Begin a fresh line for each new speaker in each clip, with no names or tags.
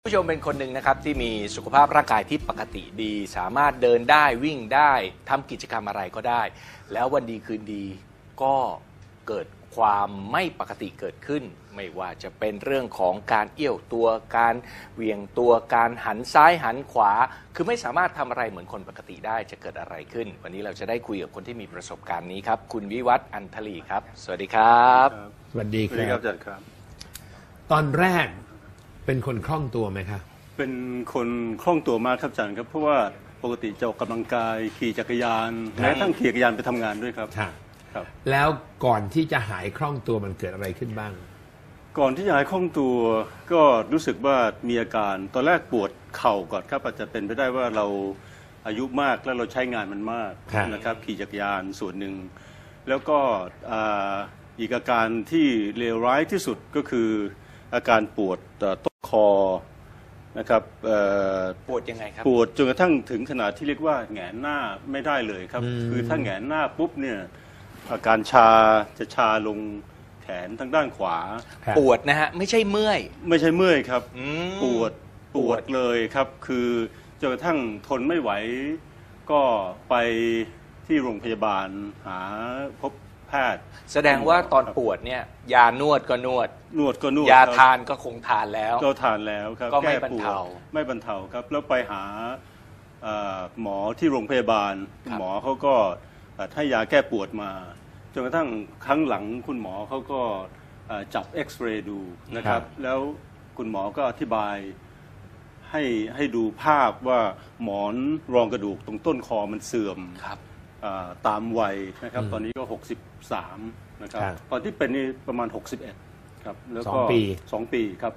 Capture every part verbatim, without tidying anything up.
ผู้ชมเป็นคนหนึ่งนะครับที่มีสุขภาพร่างกายที่ปกติดีสามารถเดินได้วิ่งได้ทำกิจกรรมอะไรก็ได้แล้ววันดีคืนดีก็เกิดความไม่ปกติเกิดขึ้นไม่ว่าจะเป็นเรื่องของการเอี้ยวตัวการเหวี่ยงตัวการหันซ้ายหันขวาคือไม่สามารถทำอะไรเหมือนคนปกติได้จะเกิดอะไรขึ้นวันนี้เราจะได้คุยกับคนที่มีประสบการณ์นี้ครับคุณวิวัฒน์อันทลีครับสวัสดีครับ
สวัสดีครับ
อาจารย์ครับ
ตอนแรกเป็นคนคล่องตัวไหมครับ
เป็นคนคล่องตัวมากครับอาจารย์ครับเพราะว่าปกติจะออกกำลังกายขี่จักรยานแม้ทั้งขี่จักรยานไปทำงานด้วยครับ
ครับแล้วก่อนที่จะหายคล่องตัวมันเกิดอะไรขึ้นบ้าง
ก่อนที่จะหายคล่องตัวก็รู้สึกว่ามีอาการตอนแรกปวดเข่าก่อนครับอาจจะเป็นไปได้ว่าเราอายุมากแล้วเราใช้งานมันมากนะครับขี่จักรยานส่วนหนึ่งแล้วก็อีกอาการที่เลวร้ายที่สุดก็คืออาการปวดต้นคอนะครับ
ปวดยังไงครับ
ปวดจนกระทั่งถึงขนาดที่เรียกว่าแหงนหน้าไม่ได้เลยครับคือถ้าแหงนหน้าปุ๊บเนี่ยอาการชาจะชาลงแขนทางด้านขวา
ปวดนะฮะไม่ใช่เมื่อย
ไม่ใช่เมื่อยครับปวดปวดเลยครับคือจนกระทั่งทนไม่ไหวก็ไปที่โรงพยาบาลหาพบแพทย์
แสดงว่าตอนปวดเนี่ยยานวดก็นวด
นวดก็นวด
ยาทานก็คงทานแล้ว
ก็ทานแล้วครับ
ก็ไม่บรรเทา
ไม่บรรเทาครับแล้วไปหาหมอที่โรงพยาบาลหมอเขาก็ให้ยาแก้ปวดมาจนกระทั่งครั้งหลังคุณหมอเขาก็จับเอ็กซเรย์ดูนะครับแล้วคุณหมอก็อธิบายให้ให้ดูภาพว่าหมอนรองกระดูกตรงต้นคอมันเสื่อมตามวัยนะครับตอนนี้ก็หกสิบสามนะครับตอนที่เป็นนี่ประมาณหกสิบเอ็ดครับแล้วก็สองปีครับ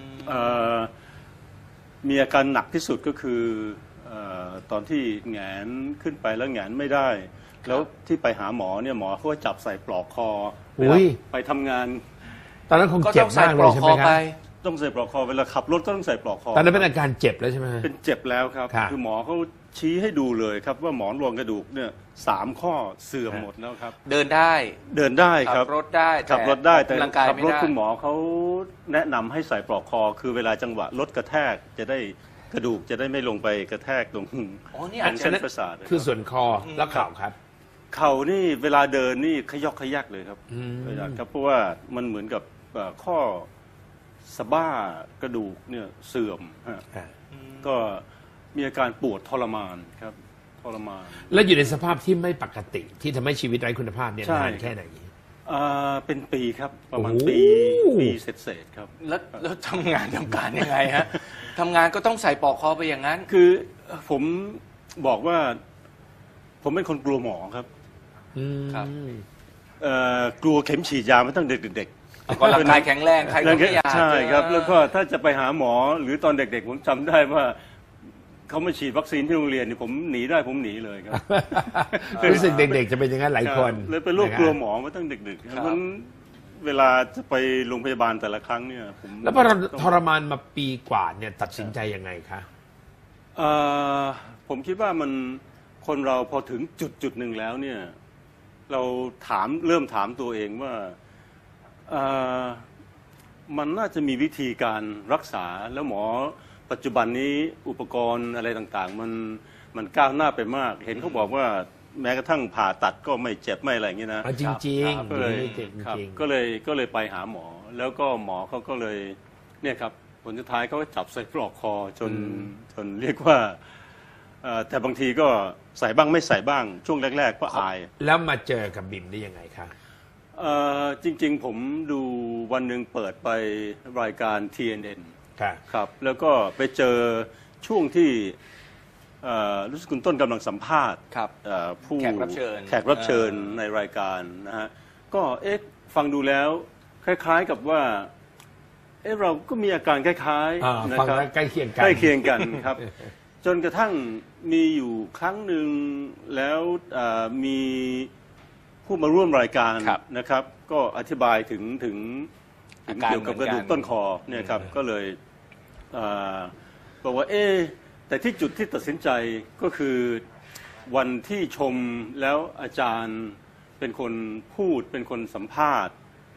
มีอาการหนักที่สุดก็คือตอนที่แหงนขึ้นไปแล้วแหงนไม่ได้แล้วที่ไปหาหมอเนี่ยหมอเขาจับใส่ปลอกคอไปทำงาน
ตอนนั้นคงเจ็บมากเลยใช่ไหมครับ
ต้องใส่ปลอกคอเวลาขับรถก็ต้องใส่ปลอกคอ
ตอนนั้นเป็นอาการเจ็บแล้วใช่ไหม
เป็นเจ็บแล้วครับคือหมอเขาชี้ให้ดูเลยครับว่าหมอนรองกระดูกเนี่ยสามข้อเสื่อมหมดแล้วครับ
เดินได้
เดินได้ครับ
ขับรถได้
ขับรถได้แต่ขับรถคุณหมอเขาแนะนำให้ใส่ปลอกคอคือเวลาจังหวะรถกระแทกจะได้กระดูกจะได้ไม่ลงไปกระแทกตรงเส้นประสาท
คือส่วนคอแล้วเข่าครับ
เข่านี่เวลาเดินนี่ขยอกขยักเลยครับครับเพราะว่ามันเหมือนกับข้อสะบ้ากระดูกเนี่ยเสื่อมก็มีอาการปวดทรมานครับทรมาน
แล้วอยู่ในสภาพที่ไม่ปกติที่ทำให้ชีวิตไร้คุณภาพเนี่ยนานแค่ไหน
เป็นปีครับประมาณปีปีเศษๆครับ
แล้วแล้วทำงานทำการยังไงฮะทำงานก็ต้องใส่ปลอกคอไปอย่างนั้น
คือผมบอกว่าผมเป็นคนกลัวหมอครับ
ครับ
กลัวเข็มฉีดยามาตั้งเด็ก
ๆก็ร่างกายแข็งแรงใครก็ไม่อยาก
ใช่ครับแล้วก็ถ้าจะไปหาหมอหรือตอนเด็กๆผมจำได้ว่าเขามาฉีดวัคซีนที่โรงเรียนนี่ผมหนีได้ผมหนีเลยครับ
รู้สึกเด็กๆจะเป็นอย่างนั้นหลายคน
เลยเป็นโรคกลัวหมอมาตั้งเด็กๆเพราะฉะนั้นเวลาจะไปโรงพยาบาลแต่ละครั้งเนี่ยผม
แล้วพอทรมานมาปีกว่าเนี่ยตัดสินใจยังไงคะ
ผมคิดว่ามันคนเราพอถึงจุดจุดหนึ่งแล้วเนี่ยเราถามเริ่มถามตัวเองว่ามันน่าจะมีวิธีการรักษาแล้วหมอปัจจุบันนี้อุปกรณ์อะไรต่างๆมันมันก้าวหน้าไปมากเห็นเขาบอกว่าแม้กระทั่งผ่าตัดก็ไม่เจ็บไม่อะไรอย่างนี้นะ
จริงๆ
ก็เลยก็เลยก็เลยไปหาหมอแล้วก็หมอเขาก็เลยเนี่ยครับผลสุดท้ายเขาก็จับใส่ปลอกคอจนจนเรียกว่าแต่บางทีก็ใส่บ้างไม่ใส่บ้างช่วงแรกๆก็อาย
แล้วมาเจอกับบิมได้ยังไงคะ
จริงๆผมดูวันหนึ่งเปิดไปรายการ ที เอ็น เอ็น ครับแล้วก็ไปเจอช่วงที่รู้สึกคุณต้นกำลังสัมภาษณ์
ผู้แขกรับเชิญ
แขกรับเชิญในรายการนะฮะก็เอ๊ะฟังดูแล้วคล้ายๆกับว่าเอ๊ะเราก็มีอาการคล้าย
ๆนะครับใกล้เคียงกัน
ใกล้เคียงกันครับจนกระทั่งมีอยู่ครั้งหนึ่งแล้วมีผู้มาร่วมรายการนะครับก็อธิบายถึงถึงเกี่ยวกับกระดูกต้นคอเนี่ยครับก็เลยบอกว่าเอ๊ะแต่ที่จุดที่ตัดสินใจก็คือวันที่ชมแล้วอาจารย์เป็นคนพูดเป็นคนสัมภาษณ์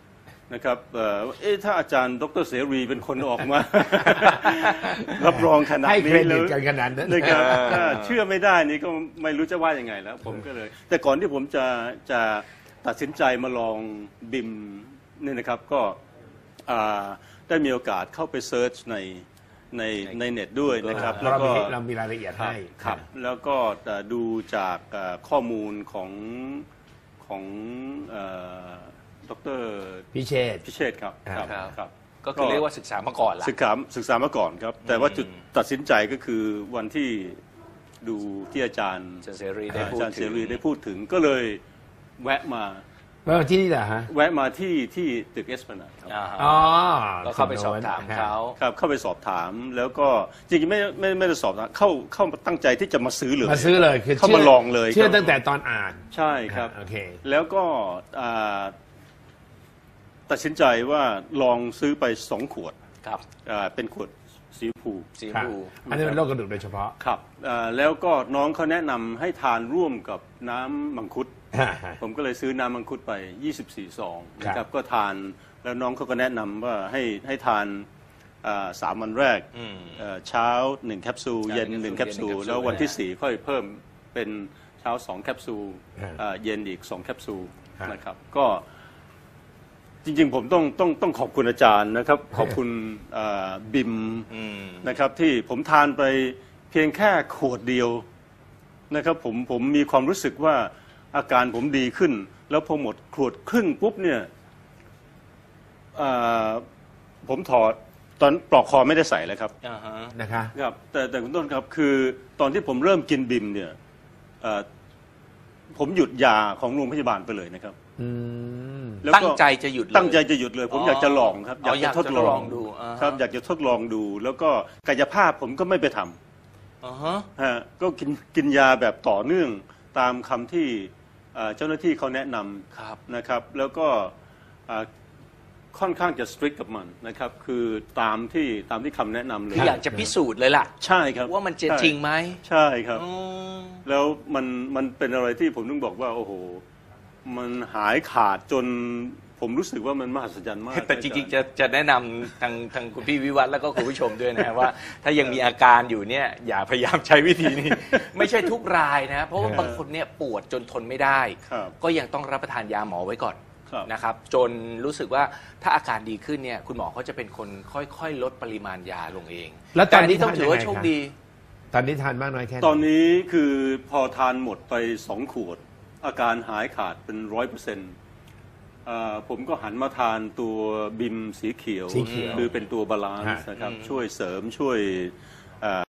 นะครับเอ่อเอ๊ะถ้าอาจารย์ดรเสรีเป็นคนออกมา รับรองขนาด
ให้เคร
นี้
ดิ
แล้
ต
ว
กันขนาดนั้น
นะครับถ้าเชื่อไม่ได้นี่ก็ไม่รู้จะว่ายังไงแล้ว ผมก็เลย แต่ก่อนที่ผมจะจะตัดสินใจมาลองบิมนี่นะครับก็อ่าได้มีโอกาสเข้าไปเซิร์ชในในในเน็ตด้วยนะครับ
เรา
แล้วก็
มีเรามีรายละเอียดให้
ครับแล้วก็เอ่อดูจากเอ่อข้อมูลของของเอ่อดร
พิเชษฐ์
พิเชษฐ์ครับ
ครับ
ครับ
ก็คือเรียกว่าศึกษามาก่อนละ
ศึกษาศึกษามาก่อนครับ แต่ว่าจุดตัดสินใจก็คือวันที่ดูที่อาจารย์
อาจารย์เสรีได้พูด
อาจารย์
ถึ
เส
ง
รีได้พูดถึงก็เลยแวะมา
ว่าที่นี่เหรอฮะ
แวะมาที่ที่ตึกเอสพนาดครับ
อ่าฮะ
อ๋อ
ก็เข้าไปสอบถามเขา
ครับเข้าไปสอบถามแล้วก็จริงๆไม่ไม่ไม่ได้สอบถามเข้าเข้ามาตั้งใจที่จะมาซื้อเลย
มาซื้อเลยคือ
เข้ามาลองเลย
เชื่อ
ครับ
ตั้งแต่ตอนอ่าน
ใช่ครับ
โอเค
แล้วก็อ่าตัดสินใจว่าลองซื้อไปสองขวด
ครับ
อ่าเป็นขวดสีชมพู
สีชม
ครับ
พู
อันนี้เป็นโรคกระดูกโดยเฉพาะ
ครับอ่าแล้วก็น้องเขาแนะนำให้ทานร่วมกับน้ำมังคุด ผมก็เลยซื้อน้ำมังคุดไปยี่สิบสี่ซองนะค
ครั
รับบ ก็ทานแล้วน้องเขาก็แนะนำว่าให้ให้ทานอ่าสามวันแรก
อืม
เอ่อเช้าหนึ่งแคปซูล
เช้า
เย็น
ห
ห
นึ่
นึ่
ง
ง
แค
แค
ป
ป
ซู
ซู
ล
ลแล้ววันที่สี่ค่อยเพิ่มเป็นเช้าสองแคปซูล
ฮะ
อ่าเย็นอีกสองแคปซูล
ฮะ
นะครับก็จริงๆผมต้องต้องต้องขอบคุณอาจารย์นะครับ ขอบคุณอ่าบิม
อืม
นะครับที่ผมทานไปเพียงแค่ขวดเดียวนะครับผมผมมีความรู้สึกว่าอาการผมดีขึ้น แล้วพอหมดขวดครึ่งปุ๊บเนี่ยอ่าผมถอดตอนปลอกคอไม่ได้ใส่เลยครับ
อ่าฮะ
นะคะ
ครับแต่แต่คุณต้นครับคือตอนที่ผมเริ่มกินบิมเนี่ยเอ่อผมหยุดยาของโรงพยาบาลไปเลยนะครับ
อืม
แล้ว
ตั้ง
ก็
ใจจะหยุดเลย
ตั้งใจจะหยุดเลย ผม
อ๋อ
อยากจะลองครับ
อ๋ออยากจะทดลองดูอ่าฮะ
ครับอยากจะทดลองดู แล้วก็กายภาพผมก็ไม่ไปทำ
อ่าฮะ
ฮะก็กินกินยาแบบต่อเนื่องตามคำที่เอ่อเจ้าหน้าที่เขาแนะน
ครับ
ำนะครับ แล้วก็เอ่อค่อนข้างจะสตริกกับมันนะครับ คือตามที่ตามที่คำแนะนำเลย
คืออยากจะพิสูจน์เลยล่ะ
ใช่ครับ
ว่ามันจะ
ใช่
จริงไหม
ใช่ครับ
อืม
แล้วมันมันเป็นอะไรที่ผมต้องบอกว่าโอ้โห มันหายขาดจนผมรู้สึกว่ามันมหัศจรรย์มาก
แต่จริงๆจะจะแนะนำทางทางคุณพี่วิวัฒน์แล้วก็คุณผู้ชมด้วยนะว่า ถ้ายังมีอาการอยู่เนี่ยอย่าพยายามใช้วิธีนี้ ไม่ใช่ทุกรายนะ เพราะว่าบางคนเนี่ยปวดจนทนไม่ได้
ครับ
ก็ยังต้องรับประทานยาหมอไว้ก่อน
ครับ
นะครับ จนรู้สึกว่าถ้าอาการดีขึ้นเนี่ยคุณหมอเขาจะเป็นคนค่อยๆ ลดปริมาณยาลงเอง
แล้วตอนนี้
ต่ต้องถือว่า
ทานยังไง
โชค
ครับ
ดี
ตอนนี้ทานมากน้อยแค่ไหน
ตอนนี้คือพอทานหมดไปสองขวด อาการหายขาดเป็นร้อยเปอร์เซ็นต์ผมก็หันมาทานตัวบิมสีเขียว
สีเขียว
คือเป็นตัวบาลานซ์
ฮะ
นะครับ
อืม
ช่วยเสริมช่วย